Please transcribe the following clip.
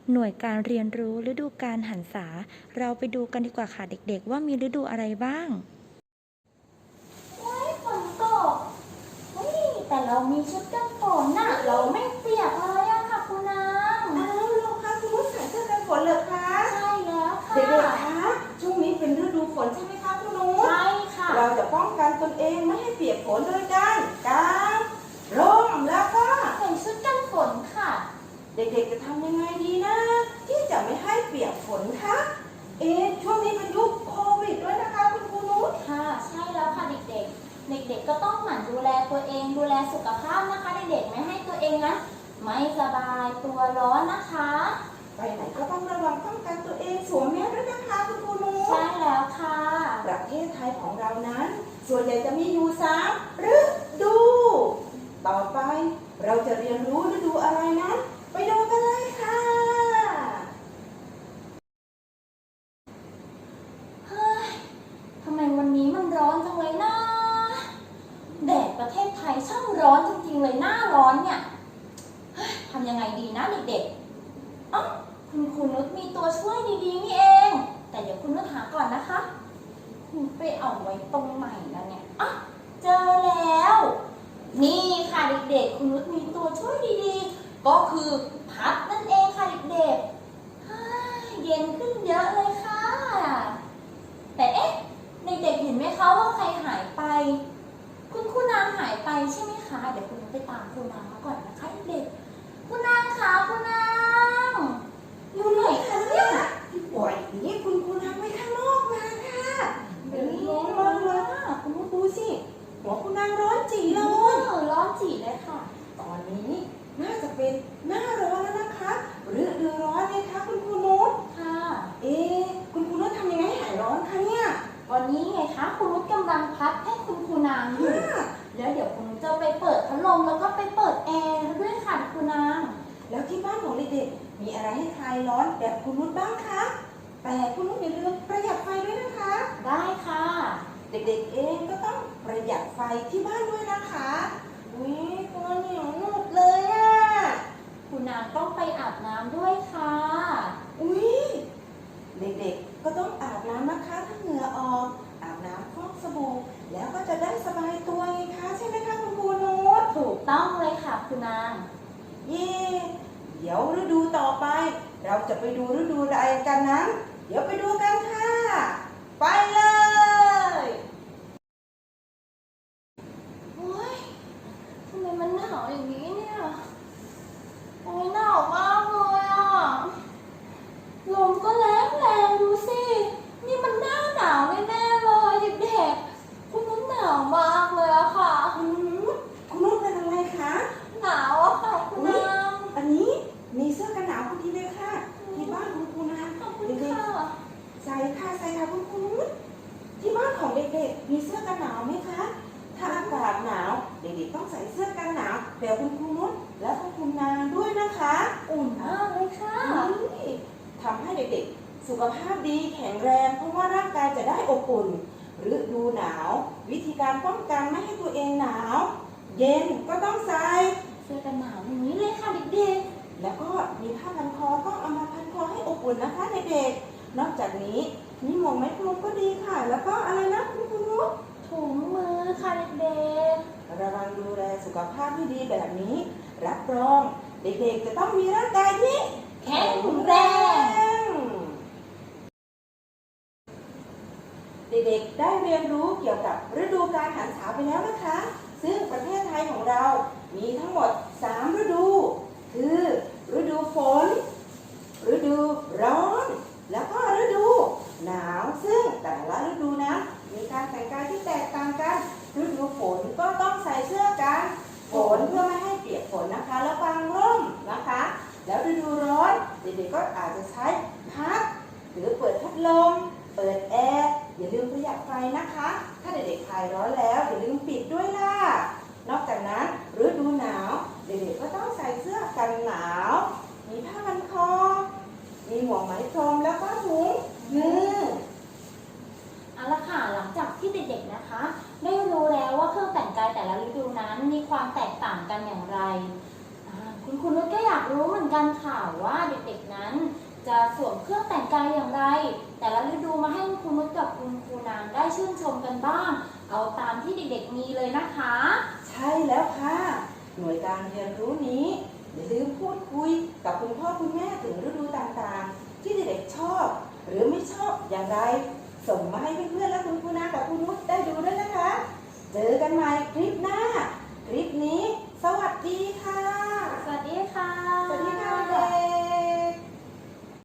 หน่วยการเรียนรู้ฤดูกาลหันษาเราไปดูกันดีกว่าค่ะเด็กๆว่ามีฤดูอะไรบ้างฝนตกแต่เรามีชุดกันฝนน่ะเราไม่เปียกเลยอะค่ะคุณนางเราคะคุณนุชใส่เสื้อกันฝนเหรอคะใช่แล้วค่ะเด็กๆคะช่วงนี้เป็นฤดูฝนใช่ไหมคะคุณนุชใช่ค่ะเราจะป้องกันตนเองไม่ให้เปียกฝนโดยการกางร่มแล้วก็ใส่ชุดกันฝนค่ะเด็กๆจะทำยังไงดีนะที่จะไม่ให้เปียกฝนคะช่วงนี้เป็นยุคโควิดด้วยนะคะคุณครูนุชค่ะใช่แล้วค่ะเด็กๆเด็กๆก็ต้องหมั่นดูแลตัวเองดูแลสุขภาพนะคะเด็กๆไม่ให้ตัวเองนั้นไม่สบายตัวร้อนนะคะไปไหนก็ต้องระวังป้องกันตัวเองสวมแมสด้วยนะคะคุณครูนุชใช่แล้วค่ะประเทศไทยของเรานั้นส่วนใหญ่จะมีอยู่3ฤดูต่อไปเราจะเรียนรู้ฤดูอะไรนั้นไปดูกันเลยค่ะเฮ้ยทำไมวันนี้มันร้อนจังเลยนะแดดประเทศไทยช่างร้อนจริงๆเลยหน้าร้อนเนี่ยทำยังไงดีนะเด็กๆคุณครูนุชมีตัวช่วยดีๆนี่เองแต่เดี๋ยวคุณนุชหาก่อนนะคะคุณไปเอาไว้ตรงไหนแล้วเนี่ยเจอแล้วนี่ค่ะเด็กๆคุณนุชมีตัวช่วยดีๆก็คือพัดนั่นเองค่ะเด็กๆเย็นขึ้นเยอะเลยค่ะแต่เด็กๆเห็นไหมคะว่าใครหายไปคุณนางหายไปใช่ไหมคะเดี๋ยวคุณนุชไปตามคุณนางมาก่อนนะคะเด็กๆคุณนางคะคุณนางอยู่ไหนคะเนี่ยปล่อยนี้คุณครูทำไว้ข้างนอกมาค่ะร้อนมากเลยคุณครูดูสิหัวคุณนางร้อนจีเลยร้อนจีเลยค่ะตอนนี้น่าจะเป็นหน้าร้อนแล้วนะคะฤดูร้อนเลยค่ะคุณครูนุชค่ะคุณครูนุชทำยังไงให้หายร้อนคะเนี่ยวันนี้ไงคะคุณนุชกำลังพัดให้คุณครูนางอยู่แล้วเดี๋ยวคุณนุชจะไปเปิดพัดลมแล้วก็ไปเปิดแอร์ด้วยค่ะคุณนางแล้วที่บ้านของเด็กๆมีอะไรให้คลายร้อนแบบคุณนุชบ้างคะแต่คุณนุชอย่าลืมประหยัดไฟด้วยนะคะได้ค่ะเด็กๆเองก็ต้องประหยัดไฟที่บ้านด้วยนะคะตัวเหนียวหนุบเลยอ่ะคุณนางต้องไปอาบน้ำด้วยค่ะเด็กๆก็ต้องอาบน้ำนะคะถ้าเหงื่อออกอาบน้ำฟอกสบู่แล้วก็จะได้สบายตัวไงคะใช่ไหมคะคุณครูนุชถูกต้องเลยค่ะคุณนางเดี๋ยวฤดูต่อไปเราจะไปดูฤดูอะไรกันนั้นเดี๋ยวไปดูกันค่ะไปเลยทำไมมันหนาวอย่างนี้เนี่ยหนาวมากเลยอ่ะลมก็แรงดูสินี่มันหน้าหนาวแน่ๆเลยเด็กๆคุณนุชหนาวมากเลยอะค่ะคุณนุชเป็นอะไรคะหนาวอะค่ะคุณนางอันนี้มีเสื้อกันหนาวพอดีเลยค่ะที่บ้านของคุณนะเด็กๆใส่ค่ะคุณครูนุชที่บ้านของเด็กๆมีเสื้อกันหนาวไหมคะถ้าอากาศหนาวเด็กๆต้องใส่เสื้อกันหนาวแบบคุณครูนุชและคุณครูนางด้วยนะคะอุ่นมากเลยค่ะทำให้เด็กๆสุขภาพดีแข็งแรงเพราะว่าร่างกายจะได้อบอุ่นฤดูหนาววิธีการป้องกันไม่ให้ตัวเองหนาวเย็นก็ต้องใส่เสื้อกันหนาวอย่างนี้เลยค่ะเด็กๆแล้วก็มีผ้าพันคอต้องเอามาพันคอให้อบอุ่นนะคะเด็กๆนอกจากนี้มีหมวกไหมพรมก็ดีค่ะแล้วก็อะไรนะคุณครูนุชถุงมือค่ะเด็กๆระวังดูแลสุขภาพที่ดีแบบนี้รับรองเด็กๆจะต้องมีร่างกายที่แข็งแรงเด็กๆได้เรียนรู้เกี่ยวกับฤดูกาลหันษาไปแล้วนะคะซึ่งประเทศไทยของเรามีทั้งหมด3ฤดูคือฤดูฝนฤดูร้อนแล้วก็ฤดูหนาวซึ่งแต่ละฤดูนะมีการแต่งกายที่แตกต่างกันฤดูฝนก็ต้องใส่เสื้อกันฝนเพื่อไม่ให้เปียกฝนนะคะแล้วกางร่มนะคะแล้วฤดูร้อนเด็กๆก็อาจจะใช้พัดหรือเปิดพัดลมเปิดแอร์อย่าลืมประหยัดไฟนะคะถ้าเด็กๆคลายร้อนแล้วอย่าลืมปิดด้วยล่ะนอกจากนั้นฤดูหนาวเด็กๆก็ต้องใส่เสื้อกันหนาวมีผ้าพันคอมีหมวกไหมพรมแล้วก็ถุงมือเอาละค่ะหลังจากที่เด็กๆนะคะได้รู้แล้วว่าเครื่องแต่งกายแต่ละฤดูนั้นมีความแตกต่างกันอย่างไรคุณนุชก็อยากรู้เหมือนกันค่ะว่าว่าเด็กๆนั้น จะสวมเครื่องแต่งกายอย่างไร แต่ละฤดูมาให้คุณครูนุชกับคุณครูนางได้ชื่นชมกันบ้าง เอาตามที่เด็กๆมีเลยนะคะใช่แล้วค่ะ หน่วยการเรียนรู้นี้อย่าลืมพูดคุยกับคุณพ่อคุณแม่ถึงฤดูต่างๆ ที่เด็กๆชอบ หรือไม่ชอบอย่างไร ส่งมาให้เพื่อนๆและคุณครูนากับคุณนุชได้ดูด้วยนะคะ เจอกันใหม่คลิปหน้า คลิปนี้ สวัสดีค่ะ